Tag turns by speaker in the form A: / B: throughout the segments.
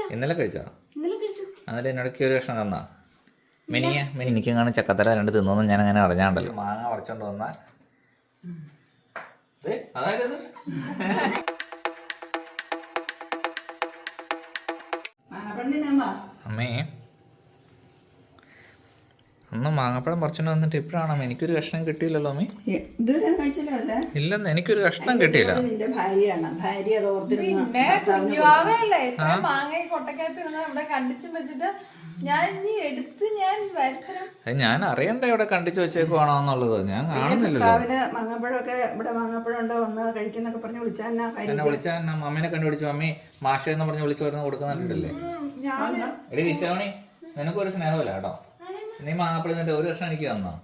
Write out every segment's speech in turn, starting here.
A: ഇന്നലെ കഴിച്ചോ? എന്നിട്ട് എന്നോടൊക്കെ ഒരു കഷ്ണം തന്നാ എനിക്ക് കാണും ചക്കത്തല രണ്ട് തിന്നോന്നും ഞാൻ അങ്ങനെ അറിഞ്ഞാണ്ടല്ലോ. മാങ്ങ പറിച്ചോണ്ട് വന്ന അതായത് അമ്മേ ഒന്ന് മാങ്ങപ്പഴം പറിച്ചോണ്ട് വന്നിട്ട് ഇപ്പഴാണോ എനിക്കൊരു കഷ്ണം കിട്ടിയില്ലല്ലോ അമ്മേ? ഇല്ലെന്ന് എനിക്കൊരു കഷ്ണം കിട്ടിയില്ല. ഞാൻ അറിയണ്ട ഇവിടെ കണ്ടിച്ചു വെച്ചേക്കുവാണോ എന്നുള്ളത്. ഞാൻ കാണുന്നില്ലല്ലോ. എന്നെ വിളിച്ചാ അമ്മേനെ കണ്ടുപിടിച്ചു. മമ്മി മാഷ എന്ന് പറഞ്ഞ് വിളിച്ചു വരുന്ന കൊടുക്കുന്നുണ്ടല്ലേ. എടി കിച്ചവണി നിനക്കൊരു സ്നേഹമില്ല കേട്ടോ. നീ മാങ്ങപ്പഴം നിന്റെ ഒരു കഷ്ണം എനിക്ക് തന്നോ?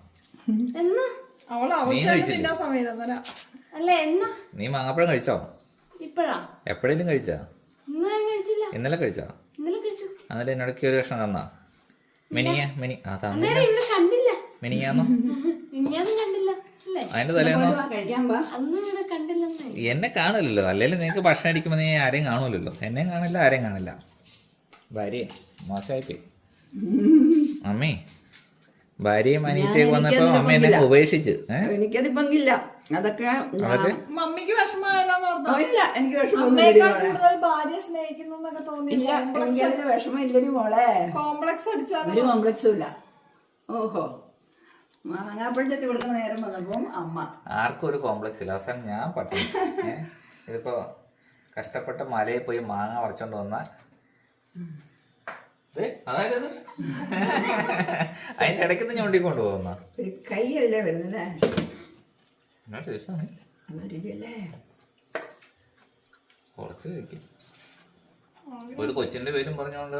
A: നീ മാങ്ങപ്പഴം കഴിച്ചോ? എപ്പോഴേലും കഴിച്ചാ? ഇന്നലെ കഴിച്ചോ? എന്നിട്ട് എന്നോടൊക്കെ ഒരു കഷ്ണം തന്നാ? മിനിയാന്നോ? അതിന്റെ തലേന്നോ? എന്നെ കാണില്ലല്ലോ. അല്ലെങ്കിൽ നിനക്ക് ഭക്ഷണം അടിക്കുമ്പോ നീ ആരെയും കാണൂലല്ലോ. എന്നെയും കാണില്ല, ആരെയും കാണില്ല. ഭാര്യയെ മോശമായിപ്പോയി അമ്മേ. ഭാര്യയും അനിയത്തിയൊക്കെ വന്നപ്പോ അമ്മ എന്നെ ഉപേക്ഷിച്ച്.
B: എനിക്കതില്ല. അതൊക്കെ
C: മമ്മിക്ക് വിഷമമായില്ല.
B: എനിക്ക് വിഷമില്ലടി മോളെ.
C: കോംപ്ലക്സ് അടിച്ചാൽ
B: ഒരു കോംപ്ലക്സും ഇല്ല. ഓഹോ, മാങ്ങാപ്പഴത്തി കൊടുക്കുന്ന നേരം വന്നപ്പോ അമ്മ
A: ആർക്കും ഒരു കോംപ്ലക്സ് ഇല്ല. അവസാനം ഞാൻ പട്ടിണി. ഇതിപ്പോ കഷ്ടപ്പെട്ട് മലയിൽ പോയി മാങ്ങ പറിച്ചോണ്ട് വന്ന അതായത് അതിന്റെ ഇടയ്ക്ക് ഞൊണ്ടിക്കൊണ്ട് പോകുന്ന
B: ഒരു കൈ അതിലേ വരുന്നല്ലേ.
A: കുറച്ച് കഴിക്കും. ഒരു കൊച്ചിന്റെ പേരും പറഞ്ഞോണ്ട്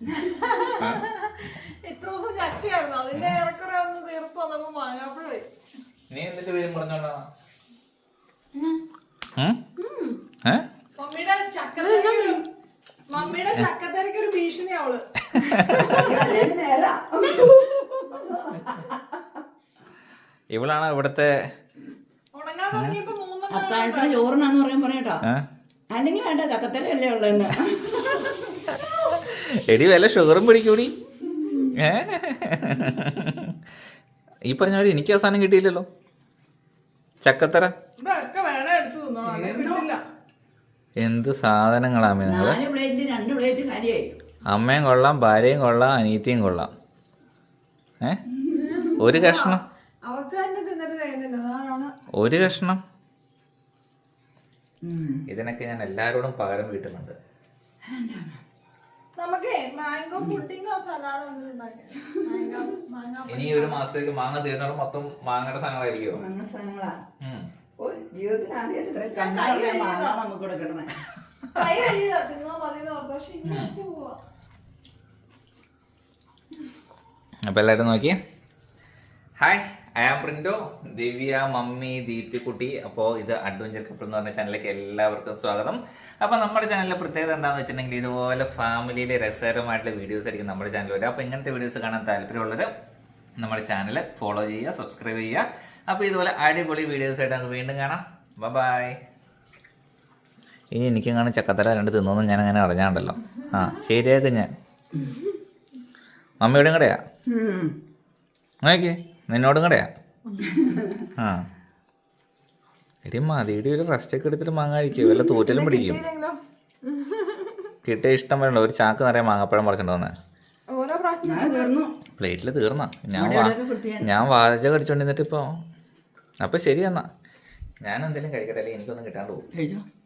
C: ഇത്ര ദിവസം ചക്കയായിരുന്നു. അതിന്റെ ഏറെക്കുറെ ഒന്ന് തീർപ്പ് വന്നപ്പോ മാങ്ങാപ്പഴേ.
A: നീ എന്തിന്റെ പേരും പറഞ്ഞോണ്ടാ?
C: മമ്മിയുടെ ചക്കത്തിരക്ക് ഒരു ഭീഷണി അവള്.
A: ഇവളാണ് ഇവിടത്തെ
C: ഉണങ്ങാൻ തുടങ്ങിയപ്പോ
B: അത്താഴത്തിന് ചോറിനാന്ന് പറയട്ടോ. അല്ലെങ്കിൽ വേണ്ട, ചക്കത്തരല്ലേ ഉള്ളതെന്ന്.
A: എടി വല്ല ഷുഗറും പിടിക്കൂടി. ഈ പറഞ്ഞ പോലെ എനിക്ക് അവസാനം കിട്ടിയില്ലല്ലോ ചക്കത്തര. എന്ത് സാധനങ്ങളാമേ നിങ്ങള്. അമ്മയും കൊള്ളാം, ഭാര്യയും കൊള്ളാം, അനിയത്തിയും കൊള്ളാം. ഒരു കഷ്ണം, ഒരു കഷ്ണം. ഇതിനൊക്കെ ഞാൻ എല്ലാരോടും പകരം വീട്ടുന്നുണ്ട്. ഇനി ഒരു മാസത്തേക്ക് മാങ്ങ തീർന്നോളം മൊത്തം മാങ്ങയുടെ സാധനങ്ങളായിരിക്കുമോ?
B: ജീവിതത്തിൽ ആദ്യമായിട്ട് നമുക്ക് കിട്ടണേ.
A: അപ്പൊ എല്ലാവരും നോക്കിയേ. Hi, I am Printo, Divya, mummy, ദീപ്തിക്കുട്ടി. അപ്പോൾ ഇത് അഡ്വഞ്ചർ കപ്പിൾ എന്ന് പറഞ്ഞ ചാനലിലേക്ക് എല്ലാവർക്കും സ്വാഗതം. അപ്പോൾ നമ്മുടെ ചാനലിലെ പ്രത്യേകത എന്താണെന്ന് വെച്ചിട്ടുണ്ടെങ്കിൽ ഇതുപോലെ ഫാമിലിയിലെ രസകരമായിട്ടുള്ള വീഡിയോസ് ആയിരിക്കും നമ്മുടെ ചാനൽ വരിക. അപ്പോൾ ഇങ്ങനത്തെ വീഡിയോസ് കാണാൻ താല്പര്യമുള്ളവർ നമ്മുടെ ചാനൽ ഫോളോ ചെയ്യുക, സബ്സ്ക്രൈബ് ചെയ്യുക. അപ്പോൾ ഇതുപോലെ അടിപൊളി വീഡിയോസ് ആയിട്ട് നമുക്ക് വീണ്ടും കാണാം. ബൈ. ഇനി എനിക്കും കാണും ചക്കത്തല രണ്ട് തിന്നോന്നും ഞാൻ അങ്ങനെ അറിഞ്ഞാണ്ടല്ലോ. ശരിയാക്കും ഞാൻ. മമ്മിയോടും കൂടെയാ നോക്കിയേ, നിന്നോടും കൂടെയാ. എടി മതിയുടെ ഒരു റെസ്റ്റൊക്കെ എടുത്തിട്ട് മാങ്ങ കഴിക്കും. വല്ല തൂറ്റലും പിടിക്കും. കിട്ടിയ ഇഷ്ടം വരണ്ട. ഒരു ചാക്ക് നിറയെ മാങ്ങപ്പഴം പറിച്ചിട്ട് വന്നേ. പ്ലേറ്റിൽ തീർന്ന ഞാൻ വാചകം അടിച്ചോണ്ടിരുന്നിട്ട് ഇപ്പൊ. അപ്പൊ ശരി എന്നാ ഞാൻ എന്തെങ്കിലും കഴിക്കട്ടെ, അല്ലെങ്കിൽ എനിക്കൊന്നും കിട്ടാണ്ട് പോകും.